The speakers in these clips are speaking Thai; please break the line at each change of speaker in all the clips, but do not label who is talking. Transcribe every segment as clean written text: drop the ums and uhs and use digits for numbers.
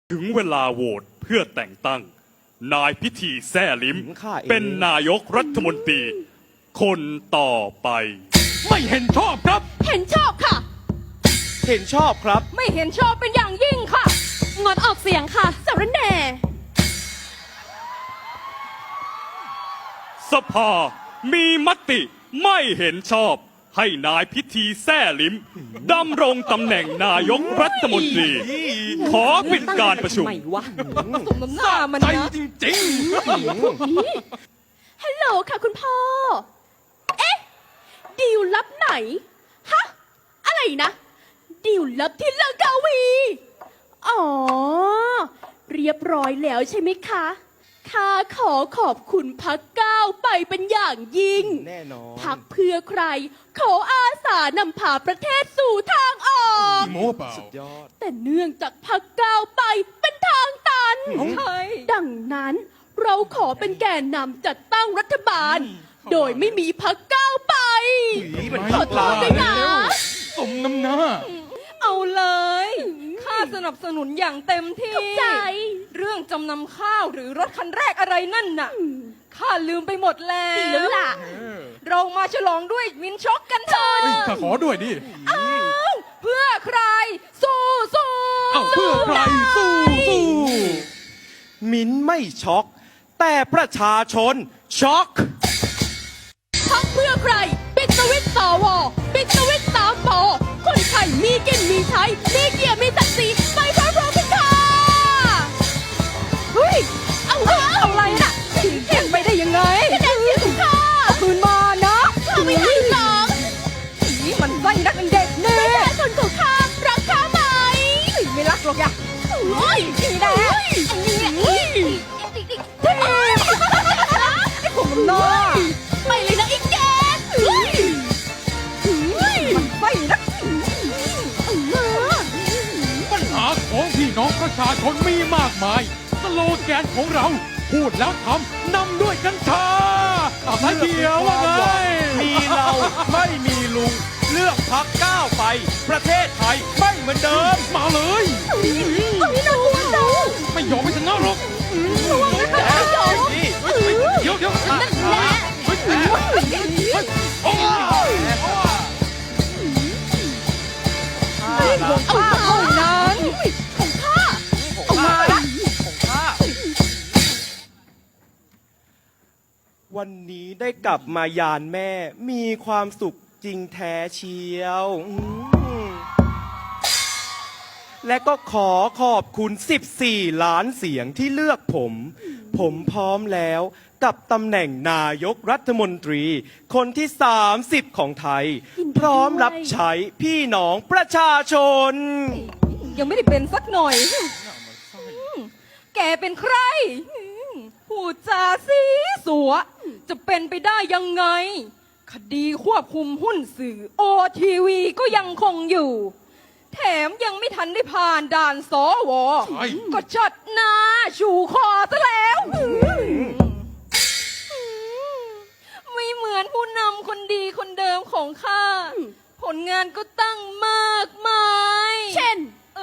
ถึงเวลาโหวตเพื่อแต่งตั้งนายพิธีแซ่ลิ้มเป็นนายกรัฐมนตรีคนต่อไป
ไม่เห็นชอบครับ
เห็นชอบค่ะ
เห็นชอบครับ
ไม่เห็นชอบเป็นอย่างยิ่งค่ะ งดออกเสียงค่ะสารแหน่
สภามีมติไม่เห็นชอบให้นายพิธีแซ่ลิ้มดำรงตำแหน่งนายกรัฐมนตรีขอปิดการประชุม
ไม่วะสมน้ำหน้ามัน
ใจ
นะ
จริง
ฮัลโหลค่ะคุณพ่อ เอ๊ะดีลลับไหน ฮะ อะไรนะดีลลับที่ลังกาวี อ๋อ เรียบร้อยแล้วใช่ไหมคะข้าขอขอบคุณพรรคก้าวไปเป็นอย่างยิ่ง
แน่นอน
พรรคเพื่อใครขออาสานำพาประเทศสู่ทางออก
ๆโม้เปล่า
สุดยอด
แต่เนื่องจากพรรคก้าวไปเป็นทางตันใช่ดังนั้นเราขอเป็นแกนนำจัดตั้งรัฐบาล โดยไม่มีพรรคก้าวไป ขอโทษด้วยนะ
สมน้ำหน้า
เอาเลยข้าสนับสนุนอย่างเต็มที่
เข้าใจ
เรื่องจำนำข้าวหรือรถคันแรกอะไรนั่นน่ะข้าลืมไปหมดแล้ว
ดีแล้วล่ะ
เรามาฉลองด้วยวินช็อกกันเถอะ
ข้าขอด้วยดิ
เพื่อใคร สู้สู้
เอ้าเพื่อใครสู้สู้
มิ้นไม่ช็อก แต่ประชาชนช็อก
พรรคเพื่อใครปิดสวิตช์สวปิดสวิตช์3 ปคนไทยมีกินมีใช้มีเกียรติมีศักดิ์ศรีไปพร้อมๆกันค่ะเฮ้ยเอาอะไรน่ะ
เขียนไปได้ยังไง
คะแนนเสียงของข้า
คืนมานะ
ข้าไม่ให้หรอก
ผีมันไส้นักเด็กเน่
ประชาชนของข้ารักข้าไหม
ไม่รักหรอกอย่า
เฮ้ย
นี่แหละ ไอ้ผมน้า
ไปเลยนะอีกแก
มันไส้นัก
ปัญหาของพี่น้องประชาชนมีมากมาย สโลแกนของเรา พูดแล้วทำนำด้วยกัญชาเอาสายเขียวว่าไง
มีเราไม่มีลุง เลือกพักก้าวไป ประเทศไทยไม่เหมือนเดิม
มาเลย
ไม่น่ากลัวจัง
ไม่ยอมไม่ชนะหรอก
นี่
เดี๋ยว
นั่นแหละ
โอ้ย
เอาเท่านั้นของข้า
ของข้าของข้าวันนี้ได้กลับมายานแม่ มีความสุขจริงแท้เชียวและก็ขอขอบคุณ14 ล้านเสียงที่เลือกผม ผมพร้อมแล้วกับตำแหน่งนายกรัฐมนตรี คนที่ 30 ของไทย พร้อมรับใช้พี่น้องประชาชน
ยังไม่ได้เป็นสักหน่อย แกเป็นใครพูดจาสีสัว จะเป็นไปได้ยังไง คดีควบคุมหุ้นสื่อโอทีวีก็ยังคงอยู่ แถมยังไม่ทันได้ผ่านด่านสว ก็จัดหน้าชูคอซะแล้ว ไม่เหมือนผู้นำคนดีคนเดิมของข้า ผลงานก็ตั้งมากมาย
เช่น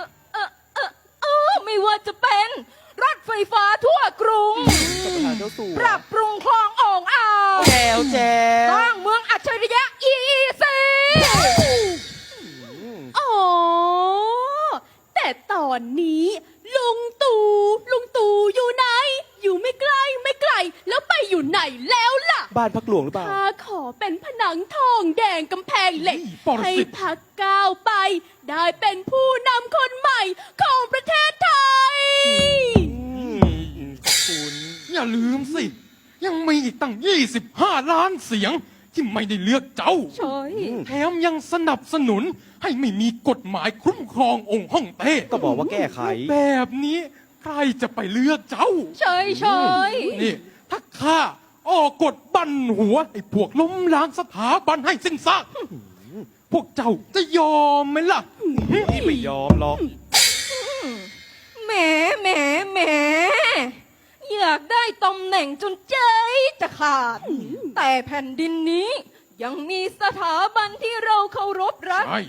ไม่ว่าจะเป็นรถไฟฟ้าทั่วกรุง ปรับปรุงคลองอ่องอ่าว
แจวแจ
ส
ว
ร้างเมืองอัจฉริยะ EEC
อ๋อ แต่ตอนนี้ลุงตู่อยู่ไหน อยู่ไม่ไกลไม่ไกล แล้วไปอยู่ไหนแล้วล่ะ
บ้านพักหลวงหรือเปล่า
ข้าขอเป็นผนังทองแดงกำแพงเหล็ก
ปรสิต
ให้พักก้าวไป ได้เป็นผู้นำคนใหม่ของประเทศไทย
ขอบคุณ
อย่าลืมสิ ยังมีอีกตั้ง 25 ล้านเสียงที่ไม่ได้เลือกเจ้า
ใช่
แถมยังสนับสนุนให้ไม่มีกฎหมายคุ้มครององค์ฮ่องเต้
ก็บอกว่าแก้ไข
แบบนี้ใครจะไปเลือกเจ้า
ใช่ใช่
นี่ถ้าข้าออกกฎบันหัวไอ้พวกล้มล้างสถาบันให้สิ้นซากพวกเจ้าจะยอมไหมล่ะ
พี่ไม่ยอมหรอก
แหมแหมแหมอยากได้ตำแหน่งจนใจจะขาด แต่แผ่นดินนี้ยังมีสถาบันที่เราเคารพรัก
ใช่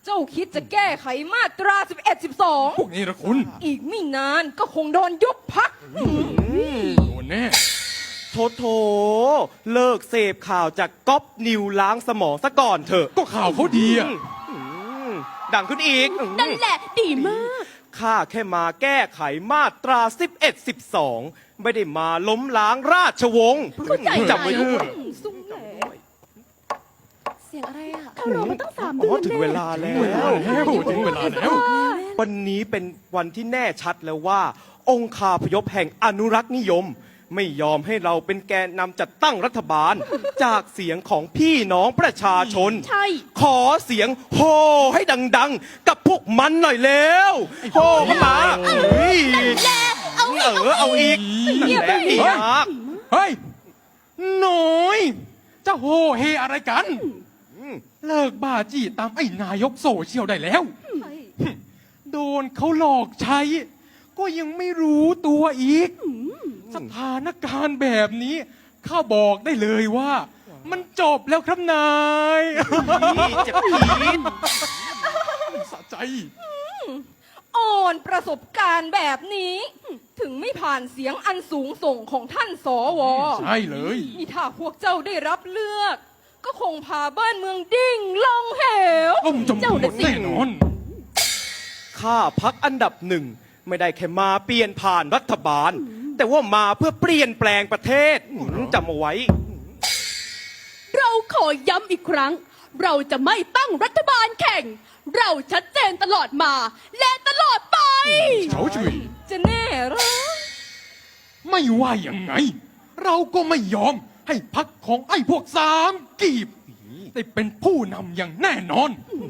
เจ้าคิดจะแก้ไขมาตรา 11
พวกนี้ละคุณ
12 อีกไม่นานก็คงโดนยุบพัก
โดนแน่
โถเลิกเสพข่าวจากก๊อปนิวล้างสมองซะก่อนเถอะ
ก็ข่าวเขาดีอะ
ดังขึ้นอีก
นั่นแหละดีมาก
ข้าแค่มาแก้ไขมาตรา 11 12 ไม่ได้มาล้มล้างราชวงศ์
เข้าใจ
จำไว้ด้วย
ซุ้มแหล
เสียงอะไรอ่ะเขารอมาตั้ง3
อ๋
เดื
อ
อน
ถึงเวลาแล้ว
ถึงเวลาแล้ว
วันนี้เป็นวันที่แน่ชัดแล้วว่า องคาพยพแห่งอนุรักษ์นิยม ไม่ยอมให้เราเป็นแกนนำจัดตั้งรัฐบาล จากเสียงของพี่น้องประชาชน
ใช่
ขอเสียงโฮให้ดังๆ กับพวกมันหน่อยเร็วโฮเข้ามาเฮ้ยเอาอีกนั่นแหละดีมาก
เฮ้ยหน่อยจะโหเฮอะไรกัน เลิกบ้าจี้ตามไอ้นายกโซเชียลได้แล้ว โดนเขาหลอกใช้ ก็ยังไม่รู้ตัวอีก สถานการณ์แบบนี้ข้าบอกได้เลยว่า มันจบแล้วครับนาย
เจ็บพีด
สะใจ
อ่อนประสบการณ์แบบนี้ ถึงไม่ผ่านเสียงอันสูงส่งของท่านสว
ใช่เลย
นี่ถ้าพวกเจ้าได้รับเลือก ก็คงพาบ้านเมืองดิ่งลงเหว
ต้มจม
เจ้า
หม
น่ะ
ด
สิ
แน่นอน
ข้าพักอันดับหนึ่งไม่ได้แค่มาเปลี่ยนผ่านรัฐบาล แต่ว่ามาเพื่อเปลี่ยนแปลงประเทศจำเอาไว้
เราขอย้ำอีกครั้ง เราจะไม่ตั้งรัฐบาลแข่ง เราชัดเจนตลอดมา และตลอดไป
เฉาชุย
จะแน่เหรอ
ไม่ว่ายังไง เราก็ไม่ยอมให้พักของไอ้พวกสามกีบ ได้เป็นผู้นำอย่างแน่นอน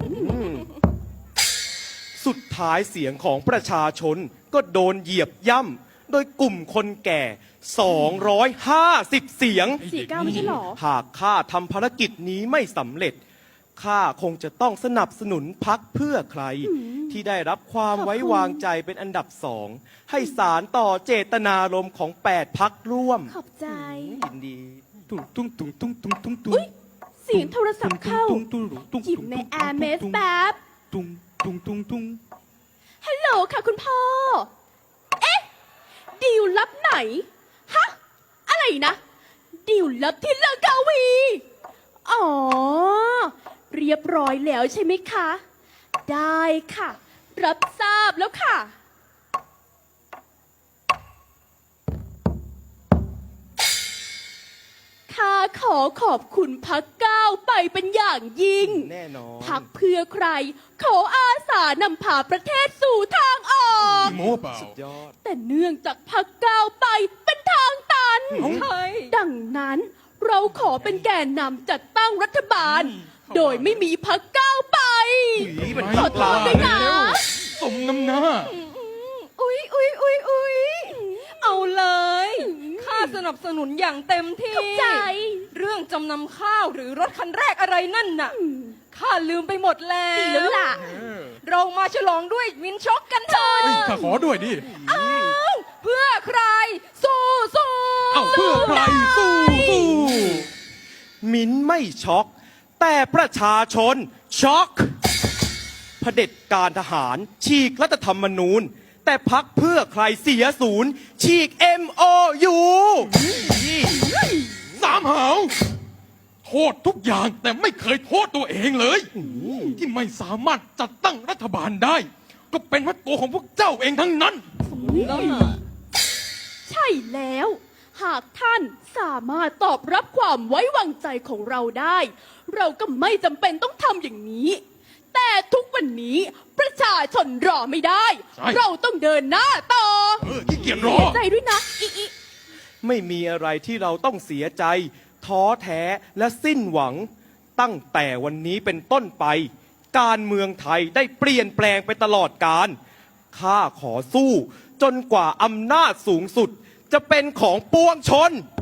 สุดท้ายเสียงของประชาชนก็โดนเหยียบย่ำโดยกลุ่มคนแก่ 250 เสียง
49ไม่ใช่หรอ
หากข้าทำภารกิจนี้ไม่สำเร็จ ข้าคงจะต้องสนับสนุนพักเพื่อใคร ที่ได้รับความไว้วางใจเป็นอันดับสองให้สารต่อเจตนารมณ์ของ 8 พักร่วม
ขอบใจ
ยินดี
ตุ้งตุ้งตุ้งตุ้งตุ้งตุ้งตุ้ง
อุ๊ย เสียงโทรศัพท์เข้า หยิบในแอร์เมสแป๊บ
ตุ้งตุ้งตุ้งตุ้ง
ฮัลโหลค่ะคุณพ่อ เอ๊ะ ดีลลับไหน ฮะ อะไรนะ ดีลลับที่ลังกาวี อ๋อ เรียบร้อยแล้วใช่ไหมคะ ได้ค่ะ รับทราบแล้วค่ะ ข้าขอขอบคุณพักก้าวไปเป็นอย่างยิ่ง
แน่นอน
พักเพื่อใคร ขออาสานำพาประเทศสู่ทางออก
โม้เปล่า
ยอด
แต่เนื่องจากพักก้าวไปเป็นทางตัน
ใช่
ดังนั้นเราขอเป็นแกนนำจัดตั้งรัฐบาล โดยไม่มีพักก้าวไป
มัน
ขอโทษด้วยนะ
สมน้ำหน้า
อุ๊ยเอาเลย ข้าสนับสนุนอย่างเต็มที่
เข้าใจ
เรื่องจำนำข้าวหรือรถคันแรกอะไรนั่นน่ะ ข้าลืมไปหมดแล้ว
ดีแล้วล่ะ
เรามาฉลองด้วยวินช็อกกันเถอะ
เฮ้ยข้าขอด้วยดิ
เพื่อใคร สู้สู้
เอ้าเพื่อใครสู้สู้
มิ้นไม่ช็อก แต่ประชาชนช็อกเผด็จการทหารฉีกรัฐธรรมนูญ แต่พักเพื่อใครเสียศูนย์ ฉีก MOU
สามหาวโทษทุกอย่างแต่ไม่เคยโทษตัวเองเลย ที่ไม่สามารถจัดตั้งรัฐบาลได้ ก็เป็นเพราะตัวของพวกเจ้าเองทั้งนั้น
ใช่แล้ว หากท่านสามารถตอบรับความไว้วางใจของเราได้ เราก็ไม่จำเป็นต้องทำอย่างนี้ แต่ทุกวันนี้ประชาชนรอไม่ได้
ใช่
เราต้องเดินหน้าต่อ
ขี้เกียจรอ
เสียใจด้วยนะอี
ไม่มีอะไรที่เราต้องเสียใจ ท้อแท้และสิ้นหวัง ตั้งแต่วันนี้เป็นต้นไป การเมืองไทยได้เปลี่ยนแปลงไปตลอดกาลข้าขอสู้ จนกว่าอำนาจสูงสุด จะเป็นของปวงชน